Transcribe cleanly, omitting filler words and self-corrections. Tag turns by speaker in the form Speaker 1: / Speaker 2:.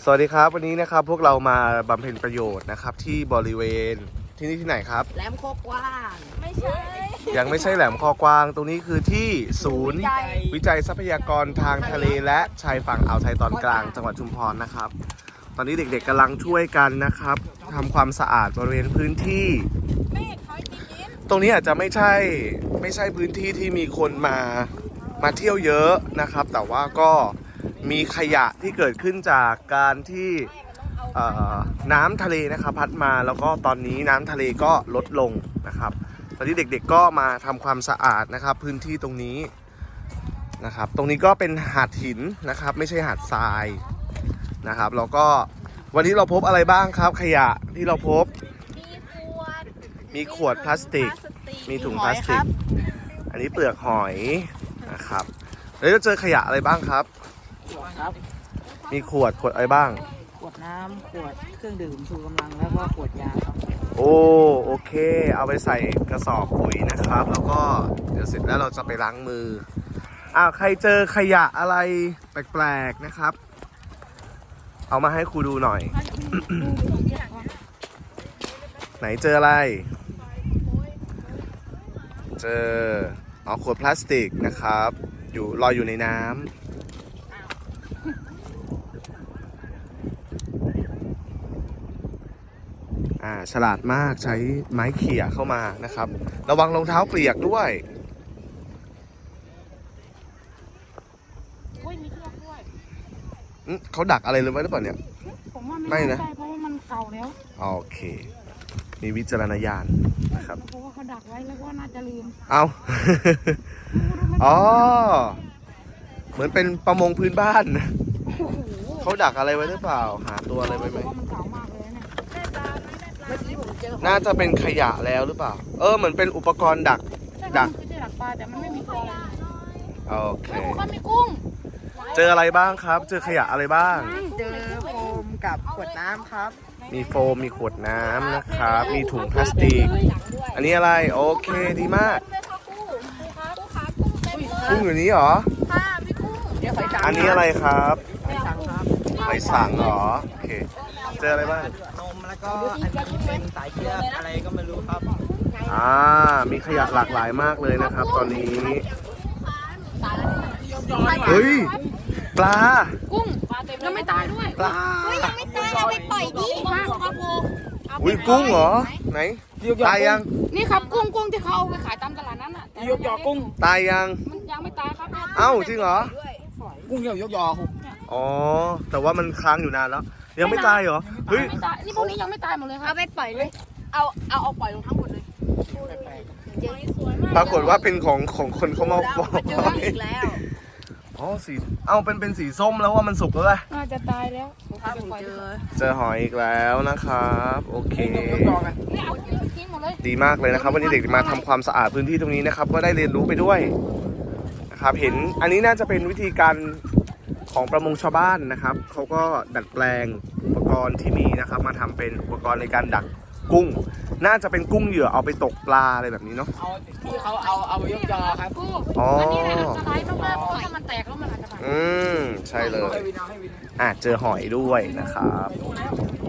Speaker 1: สวัสดีครับวันนี้นะครับพวกเรามาบำเพ็ญประโยชน์นะครับที่บริเวณที่นี่ที่ไหนครับ
Speaker 2: แหลมโคกว้างไม่ใช่
Speaker 1: ยังไม่ใช่แหลมคอกวางตรงนี้คือที่ศูนย์วิจัยทรัพยากรทางทะเลและชายฝั่งอ่าวไทยตอนกลางจังหวัดชุมพรนะครับตอนนี้เด็กๆกำลังช่วยกันนะครับทำความสะอาดบริเวณพื้นที่ตรงนี้อาจจะไม่ใช่พื้นที่ที่มีคนมาเที่ยวเยอะนะครับแต่ว่าก็มีขยะที่เกิดขึ้นจากการที่น้ำทะเลนะครับพัดมาแล้วก็ตอนนี้น้ำทะเลก็ลดลงนะครับตอนนี้เด็กๆก็มาทำความสะอาดนะครับพื้นที่ตรงนี้นะครับตรงนี้ก็เป็นหาดหินนะครับไม่ใช่หาดทรายนะครับแล้วก็วันนี้เราพบอะไรบ้างครับขยะที่เราพบมีขวดพลาสติกมีถุงพลาสติกอันนี้เปลือกหอยนะครับแล้วเราเจอขยะอะไรบ้างครับมีขวดอะไรบ้าง
Speaker 2: ขวดน้ำขวดเครื่องดื่มชูกำลังแล้วก็ขวดยาครับ
Speaker 1: โอเคเอาไปใส่กระสอบปุ๋ยนะครับแล้วก็เดี๋ยวเสร็จแล้วเราจะไปล้างมือใครเจอขยะอะไรแปลกๆนะครับเอามาให้ครูดูหน่อย ไหนเจออะไรเจอขวดพลาสติกนะครับลอยอยู่ในน้ำฉลาดมากใช้ไม้เขี่ยเข้ามานะครับระวังรองเท้าเปียกด้วย
Speaker 3: มีเชือกด้วย
Speaker 1: เขาดักอะไรเลยไว้หรือเปล่าเนี่ย
Speaker 3: ผมว่าไม่นะเพราะว่ามันเก่าแล้ว
Speaker 1: โอเคมีวิจารณญาณนะครับ
Speaker 3: เพราะว่าเขาดักไว้แล้วก็น่าจะลืม
Speaker 1: อ๋อเหมือนเป็นประมงพื้นบ้านเขาดักอะไรไว้หรือเปล่าหาตัวอะไรไว้ไหม
Speaker 3: มันเก่ามากเลยเนี่ย
Speaker 1: น่าจะเป็นขยะแล้วหรือเปล่าเหมือนเป็นอุปกรณ์ดัก
Speaker 3: คือจะดักปลาแต่มันไม่มีตัว
Speaker 1: โอเค
Speaker 3: มันมีกุ้ง
Speaker 1: เจออะไรบ้างครับเจอขยะอะไรบ้าง
Speaker 2: เจอโฟมกับขวดน้ำครับ
Speaker 1: มีโฟมมีขวดน้ำนะครับมีถุงพลาสติกอันนี้อะไรโอเคดีมากกุ้งอยู่นี้เหรออันนี้อะไรครับหอยสังเหรอโอเคเจออะไรบ้าง
Speaker 2: นมแล้วก็อันนี้เป็นสายเชือกอะไรก็ไม่รู้ครับ
Speaker 1: มีขยะหลากหลายมากเลยนะครับตอนนี้เฮ้ยปลา
Speaker 3: กุ้งยังไม่ตายด้วย
Speaker 1: ปลา
Speaker 2: ยังไม่ตายเอาไปปล่อยดิ
Speaker 1: อุ้ยกุ้งเหรอไหนตายยัง
Speaker 3: นี่ครับกุ้งที่เขาเอาไปขายตามตลาดนั้นอ่ะ
Speaker 2: ยกยอกุ้ง
Speaker 1: ตายยัง
Speaker 3: มันยังไม่ตายครับ
Speaker 1: จริงเหรอ
Speaker 2: กุ้งยกยอ
Speaker 1: แต่ว่ามันค้างอยู่นานแล้วยังไม่ตายเหรอเฮ้ย
Speaker 3: นี่พวกนี้ยังไม่ตายหมดเลยครับ
Speaker 2: เอาไปปล่อยเลยเอาปล่อยลงทั้งหมดเลย
Speaker 1: ปรากฏว่าเป็นของคนเขามาบอก
Speaker 2: อีกแล้ว
Speaker 1: สีเป็นสีส้มแล้วว่ามันสุกแล้วแหละ
Speaker 3: น่าจะตายแล้ว
Speaker 1: เจอหอยอีกแล้วนะครับโอเคดีมากเลยนะครับวันนี้เด็กมาทำความสะอาดพื้นที่ตรงนี้นะครับก็ได้เรียนรู้ไปด้วยนะครับเห็นอันนี้น่าจะเป็นวิธีการของประมงชาวบ้านนะครับเขาก็ดัดแปลงอุปกรณ์ที่มีนะครับมาทำเป็นอุปกรณ์ในการดักกุ้งน่าจะเป็นกุ้งเหยื่อเอาไปตกปลาอะไรแบบนี้เนาะ
Speaker 2: ที่เขาเอายกยอครับ
Speaker 3: อันนี้แหละอันตรายมากๆเพราะถ้ามันแตกแล้วมันอาจจะ
Speaker 1: ใช่เลยเจอหอยด้วยนะครับ